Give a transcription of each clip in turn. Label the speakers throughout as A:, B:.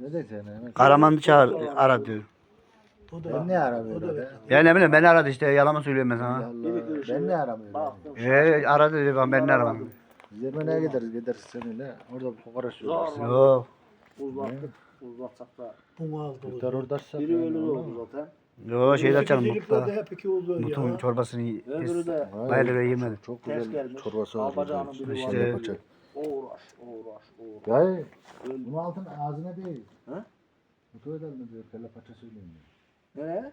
A: Ne diyeceksin?
B: Karaman'ı çağır ara diyor.
A: Ben ne aramıyorum?
B: Ya ne bileyim beni aradı işte yalan mı söylüyorum ben sana.
A: Ben ne aramıyorum?
C: Baktım.
B: Aradı dedi ben ne aramadım.
A: Zirveneye gideriz seninle. Orada fukara sürüyoruz.
B: Yok.
C: Uzattık. Uzatsak da.
D: Bunu aldı.
A: Kurtar oradaysa.
C: Biri ölü oldu zaten.
B: Yok şeyde açalım
D: Zilipler
B: mutfağı.
D: de hep iki oldu
B: Mutun
D: ya.
B: çorbasını
C: Öbürü de
B: bayılır yemedi.
A: Çok
C: ters
A: güzel
C: gelmiş.
A: çorbası var.
C: Albacağının biri var.
B: İşte-
A: Paça.
C: Uğraş.
A: Ya
C: Öldü.
A: bunu altın ağzına değil.
C: Ha?
A: Mutlu edelim diyor. Kelle paça söyleyeyim diyor.
C: Nereye?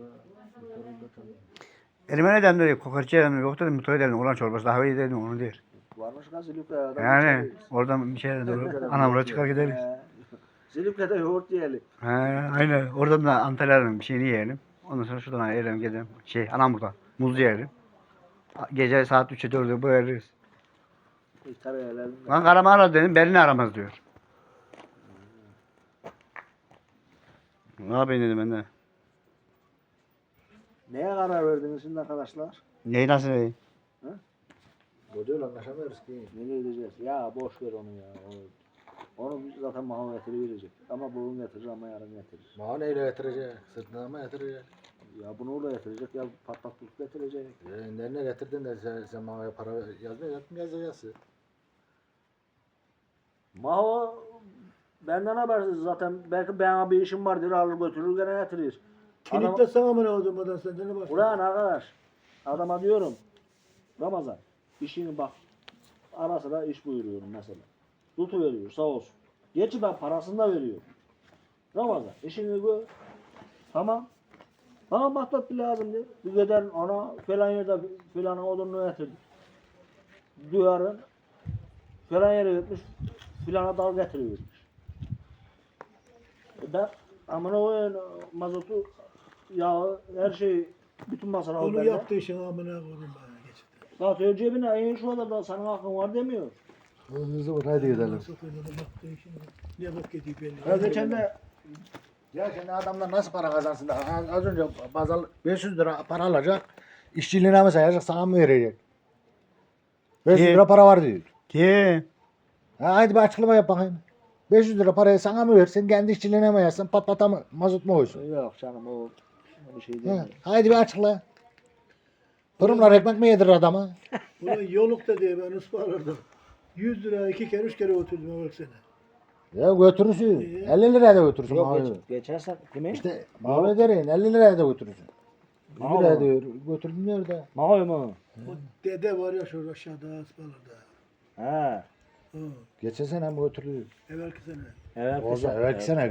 B: Elime ne demdi kokoreççi dedim yok dedim mutlu edelim ulan çorbası daha iyi dedim onu der.
C: Varmış kan Silifke'de.
B: Yani oradan bir şey dedi anamura çıkar gideriz.
C: Silifke'de yoğurt yiyelim.
B: He aynen oradan da Antalya'nın bir şeyini yiyelim. Ondan sonra şuradan yiyelim gidelim. Anamur'da muz yiyelim. Gece saat 3'e 4'e boyarız.
C: Tabii öyle.
B: Lan Karaman aradı dedim beni ne aramaz diyor. Ne yapayım dedim ben de.
C: Neye karar verdiniz şimdi arkadaşlar?
B: Neyi nasıl neyi?
A: Bu diyor anlaşamıyoruz ki.
C: Nereye gideceğiz? Ya boş ver onu ya. Onu biz zaten mahalle getiriverecek. Ama bugün getirir ama yarın getirir.
A: Mağı neyle getirecek? Sırtına mı getirecek?
C: Ya bunu da getirecek ya patlatlık getirecek.
A: Nereye getirdin de sen mağa para yazmıyor yazacaksın.
C: Maho benden habersiz zaten belki bana bir işim vardır alır götürür gene getirir.
D: Kilitler sana mı ne oldu madan sen de ne bak.
C: Ulan arkadaş adama diyorum Ramazan işini bak ara sıra iş buyuruyorum mesela. Tutuveriyor sağ olsun. Gerçi ben parasını da veriyorum. Ramazan işini gör. Tamam. Bana patlat lazım diye. Bir gider ona falan yerde filan odununu getirdi. Duyarın falan yere gitmiş filana dal getirivermiş. Ben amına koyayım mazotu yağı her şeyi bütün masana
D: Onu yaptığı işin amına koydum bana geçti.
C: Zaten cebine in şu da senin hakkın var demiyor.
A: Hızlı vur hadi gidelim.
D: Nasıl koyduğunu yaptığı işin ne bak gidiyor belli.
C: Ya geçen de
A: Ya şimdi adamlar nasıl para kazansın da az önce bazal 500 lira para alacak. İşçiliğine mi sayacak sana mı verecek? 500
B: Kim?
A: lira para var diyor.
B: Kim?
A: Ha, hadi bir açıklama yap bakayım. 500 lira parayı sana mı versin kendi işçiliğine mi yazsın patlata mı mazot mu koysun?
C: yok canım o bir şey
A: Ha,
C: değil.
A: haydi bir açıkla. Fırınlar ekmek mi yedirir adama?
D: Ulan yolukta diye ben ısmarladım. 100 lira 2 kere 3 kere oturdum bak sene.
A: Ya götürürsün. 50 liraya da götürürsün.
C: Yok
A: mavi.
C: geçersen kime?
A: İşte mavi derin 50 liraya da götürürsün. 100
C: Mavi
A: liraya
C: mi?
A: diyor. Götürdüm diyor da.
C: Mahoy mu?
D: O dede var ya şurada aşağıda ısmarladı.
C: He.
D: Ha.
A: Geçen sene mi götürdü?
D: Evvelki sene.
C: Evet.
A: Olsa evvelki sene